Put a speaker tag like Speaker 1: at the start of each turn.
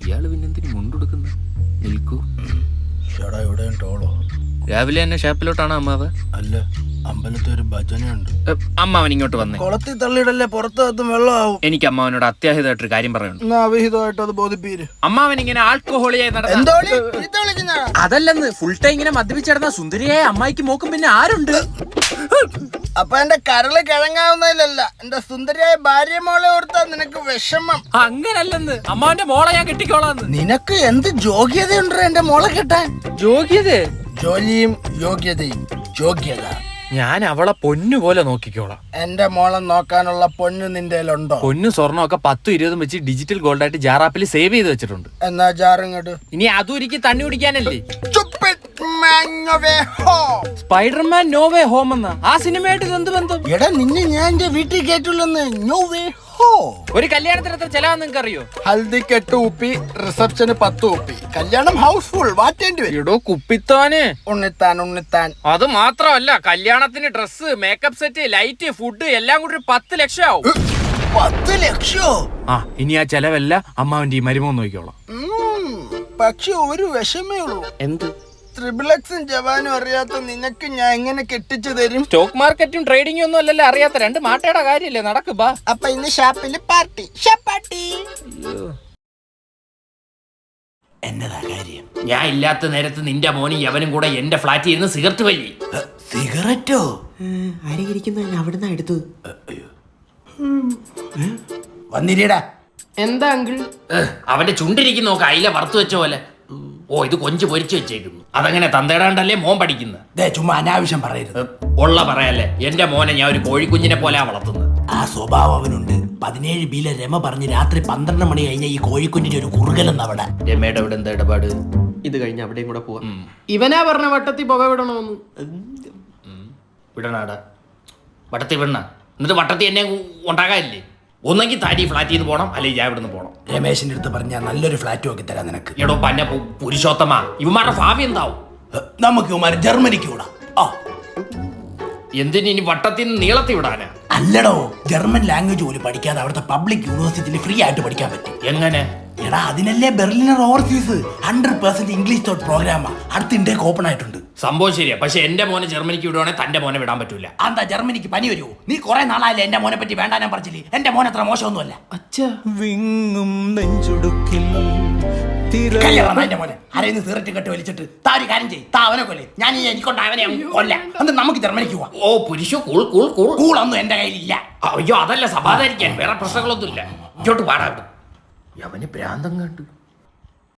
Speaker 1: ഇയാള് പിന്നെന്തിനു മുണ്ടെടുക്കുന്ന? നിൽക്കൂ.
Speaker 2: ഇവിടെ ടോളോ?
Speaker 1: രാവിലെ തന്നെ ഷാപ്പിലോട്ടാണ് അമ്മാവ്?
Speaker 2: അല്ല, അമ്പലത്തിൽ ഒരു ഭജനയുണ്ട്.
Speaker 1: അമ്മാവൻ ഇങ്ങോട്ട് വന്നേ.
Speaker 2: കുളത്തിൽ തള്ളിയിടല്ലേ, പുറത്തും വെള്ളമാവും.
Speaker 1: എനിക്ക് അമ്മാവനോട് അത്യാഹിതമായിട്ടൊരു കാര്യം പറയുന്നുണ്ട്.
Speaker 2: അവിഹിതമായിട്ട് അത് ബോധിപ്പീര്.
Speaker 1: അമ്മാവൻ ഇങ്ങനെ ആൽക്കഹോളിയായി അതല്ലെന്ന് ഫുൾ ടൈം ഇങ്ങനെ മദ്യപിച്ചിടന്ന സുന്ദരിയായ അമ്മായിക്ക് മോക്കും പിന്നെ ആരുണ്ട്?
Speaker 2: അപ്പൊ എന്റെ കരള് കിഴങ്ങാവുന്നതിലല്ല, എന്റെ സുന്ദരിയായ ഭാര്യ മോളെ ഓർത്താ നിനക്ക് വിഷമം.
Speaker 1: അങ്ങനല്ലെന്ന്, അമ്മാവന്റെ മോളെ ഞാൻ കെട്ടിക്കോളാന്ന്.
Speaker 2: നിനക്ക് എന്ത് യോഗ്യതയുണ്ട് എന്റെ മോളെ കെട്ടാൻ?
Speaker 1: യോഗ്യത?
Speaker 2: ജോലിയും യോഗ്യതയും. യോഗ്യത
Speaker 1: ഞാൻ അവളെ പൊന്നു പോലെ നോക്കിക്കോളാം.
Speaker 2: എന്റെ മോളെ നോക്കാനുള്ള പൊന്നു നിന്റെ ഉണ്ടോ?
Speaker 1: പൊന്നു സ്വർണ്ണമൊക്കെ 10-20 വെച്ച് ഡിജിറ്റൽ ഗോൾഡ് ആയിട്ട് ജാറാപ്പിൽ സേവ് ചെയ്ത് വെച്ചിട്ടുണ്ട്.
Speaker 2: എന്നാ ജാറിങ്ങോട്ട്.
Speaker 1: ഇനി അതും എനിക്ക് തണ്ണി കുടിക്കാനല്ലേ.
Speaker 2: സ്പൈഡർമാൻ
Speaker 1: നോ വേ ഹോം എന്ന ആ സിനിമയായിട്ട് എന്ത് ബന്ധം?
Speaker 2: എടാ, നിന്നെ ഞാൻ എന്റെ വീട്ടിൽ കേട്ടില്ലെന്ന്. No way.
Speaker 1: ഒരു കല്യാണത്തിന് എത്ര ചെലവാന്ന് നിങ്ങൾക്ക് അറിയോ?
Speaker 2: ഹൽദിക്ക് 8 ഉപ്പി, റിസപ്ഷന് 10 ഉപ്പി, കല്യാണം ഹൗസ്ഫുൾ. വാറ്റേണ്ടി വരും.
Speaker 1: എടോ കുപ്പിത്താന്.
Speaker 2: ഉണ്ണിത്താൻ.
Speaker 1: അത് മാത്രമല്ല, കല്യാണത്തിന് dress, makeup set, light, food എല്ലാം കൂടി 10 ലക്ഷം ആവും.
Speaker 2: 10 ലക്ഷോ?
Speaker 1: ആ, ഇനി ആ ചെലവല്ല അമ്മാവന്റെ ഈ മരുമോൻ നോക്കിക്കോളാം.
Speaker 2: പക്ഷെ ഒരു വിഷമേ ഉള്ളൂ.
Speaker 1: എന്ത്?
Speaker 2: ട്രിപ്പിൾഎക്സും ജവാനും അറിയാത്ത നിനക്ക് ഞാൻ എങ്ങനെ കെട്ടിച്ചു തരും?
Speaker 1: സ്റ്റോക്ക് മാർക്കറ്റും ട്രേഡിംഗും ഒന്നും അല്ലല്ലോ അറിയാത്ത. 2 മാട്ടയുടെ കാര്യല്ലേ, നടക്ക് ബാ.
Speaker 2: അപ്പൊ ഇന്ന് ഷാപ്പില് പാർട്ടി. ഷാപ്പാട്ടി. എന്നതാ കാര്യം?
Speaker 1: ഞാൻ ഇല്ലാത്ത നേരത്ത് നിന്റെ മോനും യവനും കൂടെ എന്റെ ഫ്ലാറ്റിൽ ഇരുന്ന് സിഗരറ്റ് വലി.
Speaker 2: സിഗരറ്റോ?
Speaker 3: ആരെങ്കിലും അവിടുന്ന് എടുത്തു.
Speaker 2: വന്നിരിടാ.
Speaker 3: എന്താ അങ്കിൾ?
Speaker 1: അവന്റെ ചുണ്ടിരിക്കുന്ന നോക്ക അയില വറുത്തു വെച്ച പോലെ. ഓ, ഇത് കൊഞ്ച് പൊരിച്ചു വെച്ചേക്കുന്നു. അതങ്ങനെ തന്തേടാണ്ടല്ലേ മോൻ പഠിക്കുന്നത്?
Speaker 2: ചുമ്മാ അനാവശ്യം പറയരുത്.
Speaker 1: ഉള്ള പറയാല്ലേ, എന്റെ മോനെ ഞാൻ ഒരു കോഴിക്കുഞ്ഞിനെ പോലെ വളർത്തുന്നത്.
Speaker 2: ആ സ്വഭാവം അവനുണ്ട്. 17 ബിയിലെ രമ പറഞ്ഞ് രാത്രി 12 മണി കഴിഞ്ഞ ഈ കോഴിക്കുഞ്ഞിന്റെ ഒരു കുറുകലെന്ന് അവിടെ.
Speaker 1: രമയുടെ അവിടെ എന്താ ഇടപാട്?
Speaker 3: ഇത് കഴിഞ്ഞ് അവിടെയും കൂടെ പോവാ. ഇവനാ പറഞ്ഞ വട്ടത്തിൽ പുക വിടണോന്ന്.
Speaker 1: വിടണാടാ, വട്ടത്തിൽ വിടണ. എന്നിട്ട് വട്ടത്തിൽ എന്നെ ഉണ്ടാകാനില്ലേ? ഒന്നെങ്കിൽ താരി ഫ്ലാറ്റിൽ നിന്ന് പോകണം, അല്ലെങ്കിൽ ഞാൻ ഇവിടുന്ന് പോകണം.
Speaker 2: രമേശിന്റെ അടുത്ത് പറഞ്ഞാൽ നല്ലൊരു ഫ്ലാറ്റ് നോക്കി തരാം നിനക്ക്.
Speaker 1: എടോ പന്ന പുരുഷോത്തമ, ഇവന്മാരുടെ ഭാവി എന്താവും?
Speaker 2: നമുക്ക് ഇവന്മാര് ജർമ്മനിക്ക് വിടാം.
Speaker 1: എന്തിന് ഇനി വട്ടത്തിൽ നിന്ന് നീളത്തിൽ വിടാനാ?
Speaker 2: അല്ലടോ, ജർമ്മൻ ലാംഗ്വേജ് പോലും പഠിക്കാതെ അവിടുത്തെ പബ്ലിക് യൂണിവേഴ്സിറ്റിയിൽ ഫ്രീ ആയിട്ട് പഠിക്കാൻ പറ്റും.
Speaker 1: എങ്ങനെ?
Speaker 2: എടാ, അതിനല്ലേ ബെർലിനർ ഓവർസീസ് 100% ഇംഗ്ലീഷ് തോട്ട് പ്രോഗ്രാമാ. അടുത്ത ഇന്ത്യക്ക് ഓപ്പൺ ആയിട്ടുണ്ട്.
Speaker 1: സംഭവം ശരിയാ, പക്ഷെ എന്റെ മോനെ ജർമ്മനിക്ക് വിടുവാണെങ്കിൽ തന്റെ മോനെ വിടാൻ പറ്റൂല.
Speaker 2: എന്താ ജർമ്മനിക്ക് പനി വരുമോ? നീ കുറെ നാളായില്ലേ എന്റെ മോനെ പറ്റി വേണ്ട ഞാൻ പറഞ്ഞില്ലേ? എന്റെ മോൻ അത്ര മോശമൊന്നുമല്ല.
Speaker 4: വിങ്ങും നെഞ്ചുടുക്കിൽ
Speaker 2: എന്റെ മോനെ ആരെയും സിഗരറ്റ് കെട്ട് വലിച്ചിട്ട് താ ഒരു കാര്യം ചെയ്യും. താ അവനെ കൊല്ലേ, ഞാൻ എനിക്കൊണ്ട് അവനെ കൊല്ലാം. എന്നിട്ട് നമുക്ക് ജർമ്മനിക്ക് പോവാം.
Speaker 1: ഓ പുരുഷോ, കൂൾ കൂൾ കൂൾ.
Speaker 2: കൂളൊന്നും എന്റെ കയ്യിലില്ല.
Speaker 1: അയ്യോ, അതല്ല സമാധാനിക്കാൻ, വേറെ പ്രശ്നങ്ങളൊന്നും ഇല്ല. ഇങ്ങോട്ട് പാടാ. അവന് ഭ്രാന്തം കണ്ടു.